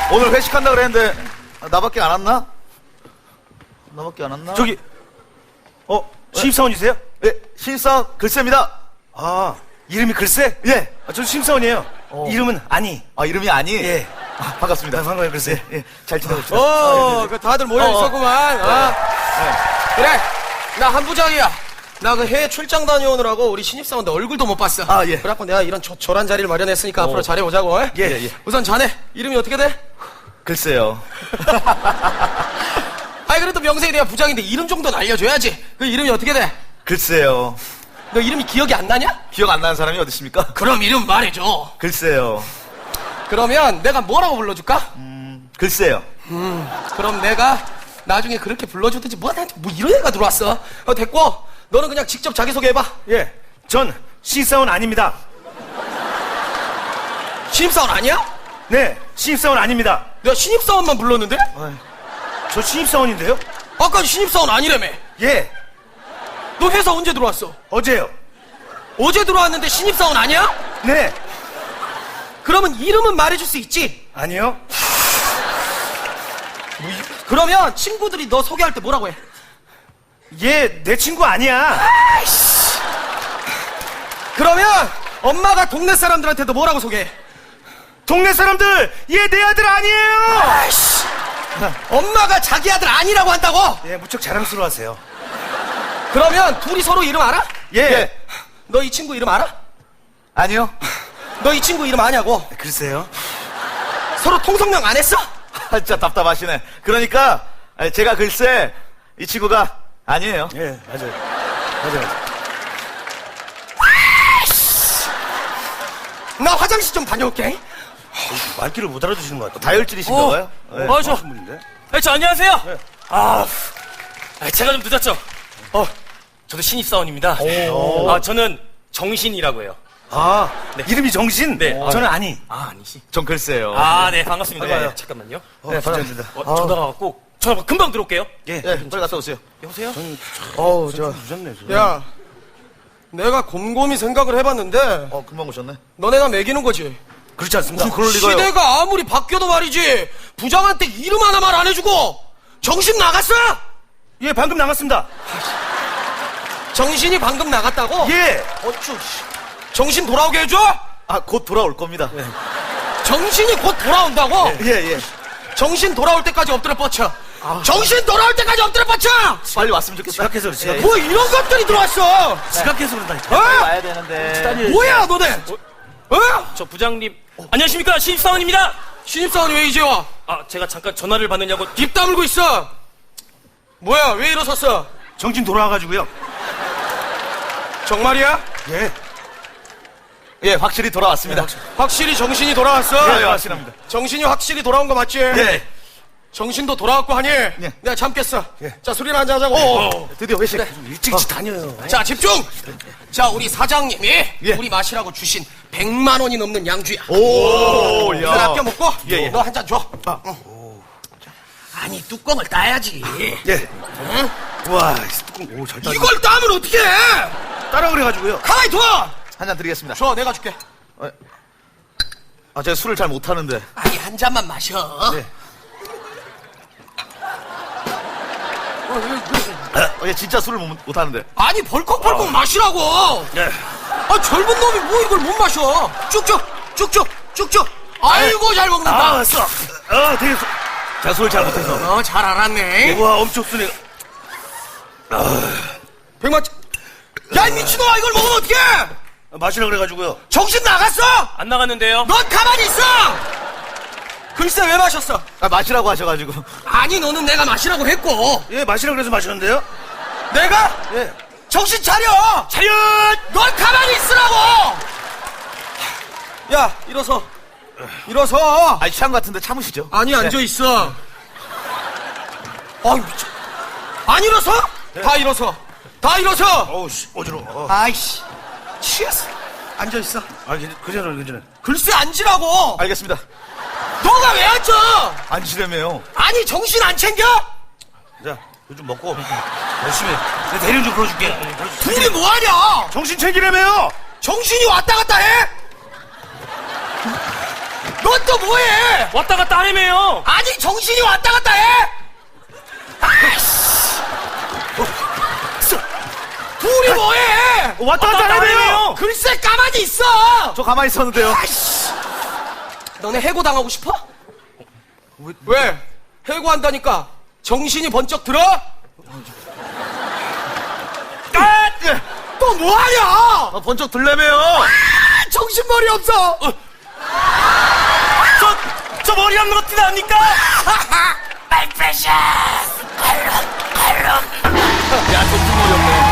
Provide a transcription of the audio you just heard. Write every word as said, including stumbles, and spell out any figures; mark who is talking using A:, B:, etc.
A: 오늘 회식한다 그랬는데 나밖에 안 왔나? 나밖에 안 왔나?
B: 저기 어 신입사원이세요?
A: 예, 신입사원 글쎄입니다.
B: 아 이름이 글쎄?
A: 예.
B: 아, 저 신입사원이에요.
A: 어.
B: 이름은 아니.
A: 아, 이름이 아니?
B: 예.
A: 아, 반갑습니다.
B: 아, 반가워요, 글쎄.
A: 예, 예. 잘 지내고 있습니다.
C: 어, 그 다들 모여
A: 어, 어.
C: 있었구만. 어. 그래, 나 한부장이야. 나 그 해외 출장 다녀오느라고 우리 신입사원들 얼굴도 못 봤어.
A: 아, 예.
C: 그래갖고 내가 이런 조, 조란 자리를 마련했으니까 앞으로 잘해보자고. 어?
A: 예, 예.
C: 우선 자네 이름이 어떻게 돼?
A: 글쎄요.
C: 아니 그래도 명색이 내가 부장인데 이름 정도는 알려줘야지. 그 이름이 어떻게 돼?
A: 글쎄요.
C: 너 이름이 기억이 안 나냐?
A: 기억 안 나는 사람이 어디 있습니까?
C: 그럼 이름 말해줘.
A: 글쎄요.
C: 그러면 내가 뭐라고 불러줄까?
A: 글쎄요.
C: 그럼 내가 나중에 그렇게 불러주든지 뭐, 나한테 뭐 이런 애가 들어왔어. 어, 됐고 너는 그냥 직접 자기소개해봐.
B: 예. 전 신입사원 아닙니다.
C: 신입사원 아니야?
B: 네. 신입사원 아닙니다.
C: 내가 신입사원만 불렀는데?
B: 저 신입사원인데요?
C: 아까 신입사원 아니라며.
B: 예.
C: 너 회사 언제 들어왔어?
B: 어제요.
C: 어제 들어왔는데 신입사원 아니야?
B: 네.
C: 그러면 이름은 말해줄 수 있지?
B: 아니요.
C: 그러면 친구들이 너 소개할 때 뭐라고 해?
B: 얘 내 친구 아니야.
C: 그러면 엄마가 동네 사람들한테도 뭐라고 소개해?
B: 동네 사람들 얘 내 아들 아니에요.
C: 아이씨. 엄마가 자기 아들 아니라고 한다고?
B: 예, 무척 자랑스러워하세요.
C: 그러면 둘이 서로 이름 알아?
B: 예.
A: 예.
C: 너 이 친구 이름 알아?
A: 아니요.
C: 너 이 친구 이름 아냐고?
B: 글쎄요.
C: 서로 통성명 안 했어?
A: 아, 진짜 답답하시네. 그러니까 아니, 제가 글쎄 이 친구가 아니에요.
B: 예, 맞아요. 맞아요. 맞아요.
C: 나 화장실 좀 다녀올게.
B: 말귀를 못 알아주시는 것 같아요.
A: 다혈질이신가 봐요. 예.
D: 어, 저,
B: 분인데?
D: 아, 저 안녕하세요. 아, 아, 제가 좀 늦었죠. 어, 저도 신입사원입니다. 아, 저는 정신이라고 해요.
B: 아, 이름이 정신?
D: 네.
B: 저는 아니.
D: 아, 아니시.
A: 전 글쎄요.
D: 아, 네, 반갑습니다.
A: 반가워요.
D: 네, 잠깐만요.
B: 네, 반갑습니다.
D: 어, 전화가 왔고, 저 금방 들어올게요.
B: 예.
A: 예, 빨리 갔다 오세요.
D: 여보세요?
C: 어우, 저.
B: 늦었네, 저.
C: 야, 내가 곰곰이 생각을 해봤는데,
A: 어, 금방 오셨네.
C: 너네가 매기는 거지.
B: 그렇지 않습니다.
A: 무슨 그럴 리가요?
C: 시대가 아무리 바뀌어도 말이지, 부장한테 이름 하나만 안 해주고, 정신 나갔어?
B: 예, 방금 나갔습니다.
C: 정신이 방금 나갔다고?
B: 예.
C: 어쭈, 씨. 정신 돌아오게 해줘?
A: 아, 곧 돌아올 겁니다.
C: 정신이 곧 돌아온다고?
A: 예, 예.
C: 정신 돌아올 때까지 엎드려 뻗쳐. 정신 돌아올 때까지 엎드려 뻗쳐!
A: 빨리 왔으면 좋겠다.
B: 지각해서 그래, 지각해서.
C: 뭐 이런 것들이 들어왔어!
B: 지각해서 그런다니까.
C: 어?
A: 빨리 와야 되는데.
C: 뭐야, 너네? 어?
D: 저 부장님. 안녕하십니까? 신입사원입니다.
C: 신입사원이 왜 이제 와?
D: 아, 제가 잠깐 전화를 받느냐고.
C: 입 다물고 있어! 뭐야, 왜 일어섰어?
B: 정신 돌아와가지고요.
C: 정말이야?
B: 예.
A: 예, 확실히 돌아왔습니다.
C: 확실히 정신이 돌아왔어?
A: 예, 확실합니다.
C: 정신이 확실히 돌아온 거 맞지?
A: 예.
C: 정신도 돌아왔고 하니 내가 참겠어. 자, 술이나 한잔 하자고.
A: 어, 드디어 회식.
B: 일찍 일찍 다녀요.
C: 자, 집중! 자, 우리 사장님이
A: 예.
C: 우리 마시라고 주신 백만 원이 넘는 양주야.
A: 오,
C: 난
A: 야.
C: 아껴 먹고
A: 예, 예.
C: 너 한 잔 줘. 응. 아니, 뚜껑을 따야지.
B: 예.
C: 응?
B: 우와, 이 뚜껑, 오, 잘 따.
C: 이걸 따면 어떻게 해?
B: 따라 그래가지고요.
C: 가만히 둬!
A: 한 잔 드리겠습니다.
C: 줘, 내가 줄게.
A: 아, 제가 술을 잘 못하는데.
C: 아니, 한 잔만 마셔.
B: 네.
A: 어, 예, 진짜 술을 못, 못하는데.
C: 아니, 벌컥벌컥 마시라고.
B: 예.
C: 아, 젊은 놈이 뭐 이걸 못 마셔. 쭉쭉, 쭉쭉, 쭉쭉. 아이고, 잘 먹는다.
B: 아, 왔어. 아, 되게. 수- 제가 술을 잘 못해서.
C: 어, 잘 알았네.
B: 우와, 엄청 쓰네.
C: 백만. 야, 이 미친놈아, 이걸 먹으면 어떡해?
B: 마시라 그래가지고요.
C: 정신 나갔어?
D: 안 나갔는데요.
C: 넌 가만히 있어! 글쎄, 왜 마셨어?
A: 아, 마시라고 하셔가지고.
C: 아니, 너는 내가 마시라고 했고.
B: 예, 마시라 그래서 마셨는데요.
C: 내가?
B: 예.
C: 정신 차려!
B: 차렷!
C: 넌 가만히 있으라고! 야, 일어서. 일어서.
A: 아, 취한 것 같은데 참으시죠.
C: 아니, 앉아있어. 아, 미쳐. 안 일어서? 다 일어서. 다 일어서!
B: 어우, 씨, 어지러워. 어.
C: 아이씨. 취했어. 앉아있어.
B: 아, 그전에, 그전에.
C: 글쎄, 앉으라고!
A: 알겠습니다.
C: 너가 왜 앉아?
A: 앉으려며요.
C: 아니, 정신 안 챙겨?
B: 자, 이거 좀 먹고. 열심히. 내 대리운 좀 불러줄게.
C: 둘이 뭐하냐?
B: 정신 챙기려며요!
C: 정신이 왔다 갔다 해? 너 넌 또 뭐해?
D: 왔다 갔다 하래매요.
C: 아니 정신이 왔다 갔다 해? 아이씨. 둘이 뭐해?
A: 왔다 갔다 하네요.
C: 글쎄 가만히 있어.
A: 저 가만히 있었는데요.
C: 아이씨. 너네 해고 당하고 싶어? 왜? 왜? 해고한다니까 정신이 번쩍 들어?
A: 아, 예.
C: 또 뭐하냐?
A: 아, 번쩍 들려매요.
C: 아, 정신머리 없어.
D: 저, 저 머리 감는 거 티납니까?
C: 말패션.
A: 야, 정신머리 없네.